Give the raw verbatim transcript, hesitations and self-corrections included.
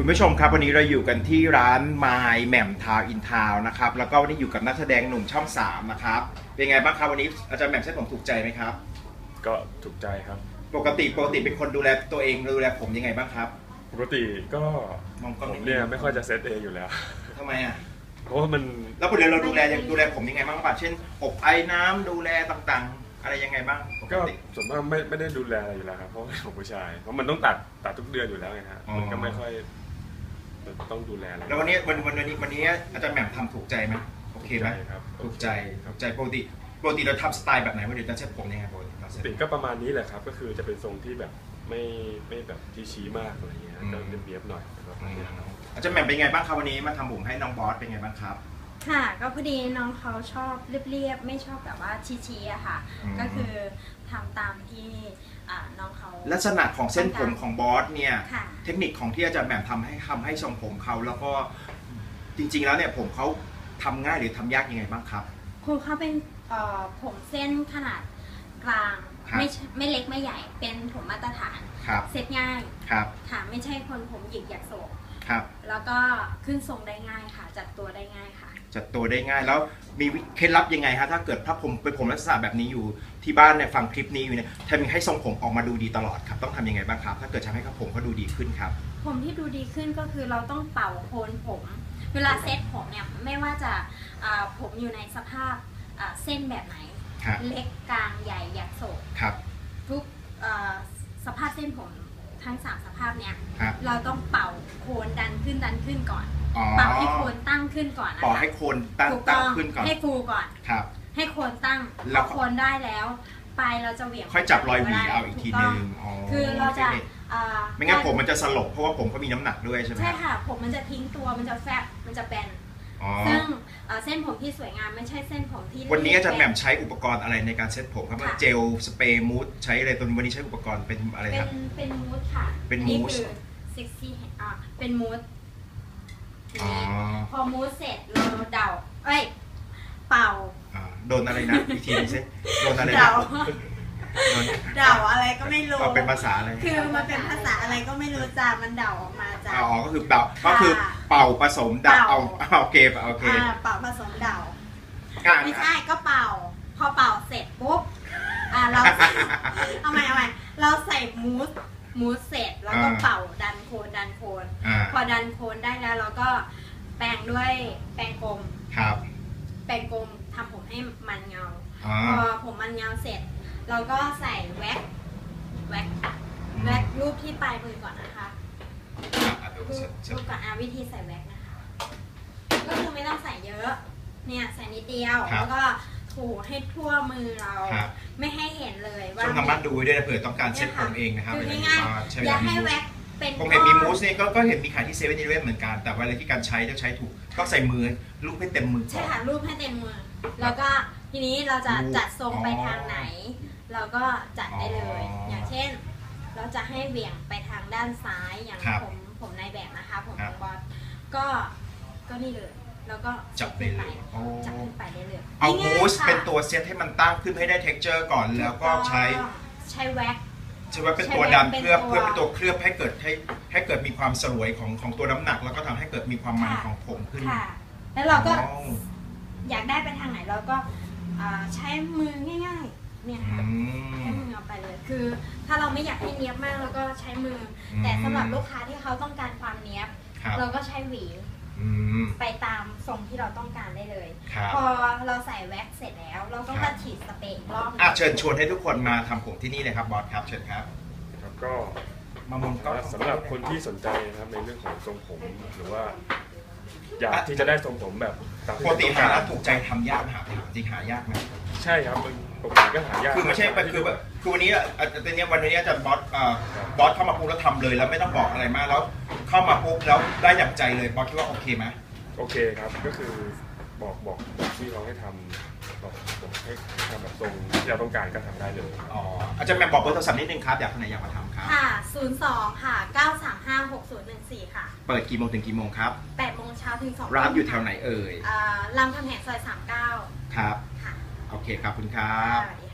คุณผู้ชมครับวันนี้เราอยู่กันที่ร้านไมล์แหม่มทาวอินทาวนะครับแล้วก็วันนี้อยู่กับนักแสดงหนุ่มช่องสามนะครับเป็นไงบ้างครับวันนี้อาจารย์แหม่มเส้นผมถูกใจไหมครับก็ถูกใจครับปกติปกติเป็นคนดูแลตัวเองดูแลผมยังไงบ้างครับปกติก็มองกล้องผมเนี่ยไม่ค่อยจะเซตเองอยู่แล้วทำไมอ่ะเพราะว่ามันแล้วปกติเราดูแลดูแลผมยังไงบ้างครับเช่นอบไอ้น้ำดูแลต่างๆอะไรยังไงบ้างก็ส่วนมากไม่ไม่ได้ดูแลอะไรอยู่แล้วครับเพราะว่าผมผู้ชายเพราะมันต้องตัดตัดทุกเดือนอยู่แล้วไงฮะมันก็ไม่ค่อยต้องดูแลอะไรแล้ววันนี้วันวันนี้วันนี้อาจารย์แหม่มทำถูกใจไหมโอเคไหมครับถูกใจถูกใจปกติปกติเราทำสไตล์แบบไหนวันนี้จะเซ็ตผมยังไงปกติปกติก็ประมาณนี้แหละครับก็คือจะเป็นทรงที่แบบไม่ไม่แบบที่ชี้มากอะไรเงี้ยก็เรียบๆหน่อยอาจารย์แหม่มเป็นไงบ้างครับวันนี้มาทำผมให้น้องบอสเป็นไงบ้างครับค่ะก็พอดีน้องเขาชอบเรียบๆไม่ชอบแบบว่าชี้ๆอะค่ะก็คือทำตามที่น้องเขาลักษณะของเส้นผมของบอสเนี่ยเทคนิคของที่อาจารย์แหม่มทำให้ทำให้ทรงผมเขาแล้วก็จริงๆแล้วเนี่ยผมเขาทำง่ายหรือทำยากยังไงบ้างครับคุณเขาเป็นผมเส้นขนาดกลางไม่ไม่เล็กไม่ใหญ่เป็นผมมาตรฐานเซ็ตง่ายค่ะไม่ใช่คนผมหยิกหยักโศกแล้วก็ขึ้นทรงได้ง่ายค่ะจัดตัวได้ง่ายค่ะจัดตัวได้ง่ายแล้วมีเคล็ดลับยังไงฮะถ้าเกิดถ้าผมเป็นผมลักษณะแบบนี้อยู่ที่บ้านเนี่ยฟังคลิปนี้อยู่เนี่ยทำยังไงให้ทรงผมออกมาดูดีตลอดครับต้องทำยังไงบ้างครับถ้าเกิดทำให้ผมเขาดูดีขึ้นครับผมที่ดูดีขึ้นก็คือเราต้องเป่าโคนผมเวลาเซ็ตผมเนี่ยไม่ว่าจะผมอยู่ในสภาพเส้นแบบไหนเล็กกลางใหญ่หยักโศกทุกสภาพเส้นผมทั้งสามสภาพเนี้ยเราต้องเป่าโคนดันขึ้นดันขึ้นก่อนเป่าให้โคนตั้งขึ้นก่อนนะคะเป่าให้โคนตั้งตั้งขึ้นก่อนให้ฟูก่อนครับให้โคนตั้งพอโคนได้แล้วปลายเราจะเหวี่ยงค่อยจับรอยหวีเอาอีกทีนึงคือเราจะไม่งั้นผมมันจะสลบเพราะว่าผมเขามีน้ำหนักด้วยใช่ไหมใช่ค่ะผมมันจะทิ้งตัวมันจะแฟบมันจะแบนซึ่งเส้นผมที่สวยงามไม่ใช่เส้นผมที่วันนี้อาจารย์แหม่มใช้อุปกรณ์อะไรในการเซ็ตผมครับเจลสเปรย์มูสใช้อะไรตัววันนี้ใช้อุปกรณ์เป็นอะไรครับเป็นเป็นมูสค่ะเป็นมูสซิกซี่อ่าเป็นมูสพอมูสเสร็จเราเดาเอ้ยเป่าโดนอะไรนะอีกทีนึงสิโดนอะไรเดาเดาอะไรก็ไม่รู้เป็นภาษาอะไรคือมันเป็นภาษาอะไรก็ไม่รู้จ้ามันเดาออกมาจ้าอ๋อก็คือเป่าก็คือเป่าผสมเดาเอาโอเคโอเคเป่าผสมเดาไม่ใช่ก็เป่าพอเป่าเสร็จปุ๊บอ่าเราเอาใหม่เอาใหม่เราใส่มูสมูสเสร็จแล้วก็เป่าดันโคนดันโคนพอดันโคนได้แล้วเราก็แปรงด้วยแปรงกลมครับแปรงกลมทำผมให้มันเงาพอผมมันเงาเสร็จเราก็ใส่แว็กแว็กแว็กรูปที่ปลายมือก่อนนะคะรูปก่อนอาวิธีใส่แว็กนะคะก็คือไม่ต้องใส่เยอะเนี่ยใส่นิดเดียวแล้วก็ถูให้ทั่วมือเราไม่ให้เห็นเลยว่าช่วงทำบ้านดูด้วยนะเผื่อต้องการเช็ดผมเองนะครับคือง่ายๆอย่าให้แว็กเป็นผมเห็นมีมูสเนี่ยก็เห็นมีขายที่เซเว่นอีเลฟเว่นเหมือนกันแต่ว่าอะไรที่การใช้ต้องใช้ถูกต้องใส่มือรูปให้เต็มมือใช่ค่ะรูปให้เต็มมือแล้วก็ทีนี้เราจะจัดทรงไปทางไหนเราก็จัดได้เลยอย่างเช่นเราจะให้เบี่ยงไปทางด้านซ้ายอย่างผมผมในแบบนะคะผมของบอสก็ก็นี่เลยแล้วก็จับไปเลยจับขึ้นไปได้เลยเอามูสเป็นตัวเซตให้มันตั้งขึ้นให้ได้เท็กเจอร์ก่อนแล้วก็ใช้ใช้แว็กใช้แว็กเป็นตัวดันเพื่อเพื่อเป็นตัวเคลือบให้เกิดให้ให้เกิดมีความสลวยของของตัวน้ำหนักแล้วก็ทำให้เกิดมีความมันของผมขึ้นแล้วเราก็อยากได้ไปทางไหนเราก็ใช้มือง่ายๆเนี่ยค่ะใช้มือเอาไปเลยคือถ้าเราไม่อยากให้เนียบมากเราก็ใช้มือแต่สำหรับลูกค้าที่เขาต้องการความเนียบเราก็ใช้หวีไปตามทรงที่เราต้องการได้เลยพอเราใส่แว็กเสร็จแล้วเราต้องมาฉีดสเปรย์อีกรอบอ่ะเชิญชวนให้ทุกคนมาทำผมที่นี่เลยครับบอสครับเชิญครับแล้วก็มามองก็สำหรับคนที่สนใจนะครับในเรื่องของทรงผมหรือว่าอยากที่จะได้ทรงผมแบบปกติหาแล้วถูกใจทำยากหาจริงหายากไหมใช่ครับปกติก็หายากคือไม่ใช่คือแบบคือวันนี้ตอนนี้วันนี้อาจารย์บอสบอสเข้ามาปุ๊บแล้วทำเลยแล้วไม่ต้องบอกอะไรมากแล้วเข้ามาปุ๊บแล้วได้อย่างใจเลยบอสคิดว่าโอเคไหมโอเคครับก็คือบอกบอกที่เขาให้ทำบอกบอกให้ทำแบบตรงที่เราต้องการก็ทำได้เลยอ๋ออาจารย์แม่บอกเบอร์โทรศัพท์นิดนึงครับอยากคนไหนอยากมาทำครับค่ะศูนย์สองค่ะเก้าสามห้าหกศูนย์หนึ่งสี่ค่ะเปิดกี่โมงถึงกี่โมงครับแปดโมงเช้าถึงสองร้านอยู่แถวไหนเอ่ยรามคำแหงซอยสามเก้าครับค่ะโอเคครับคุณครับ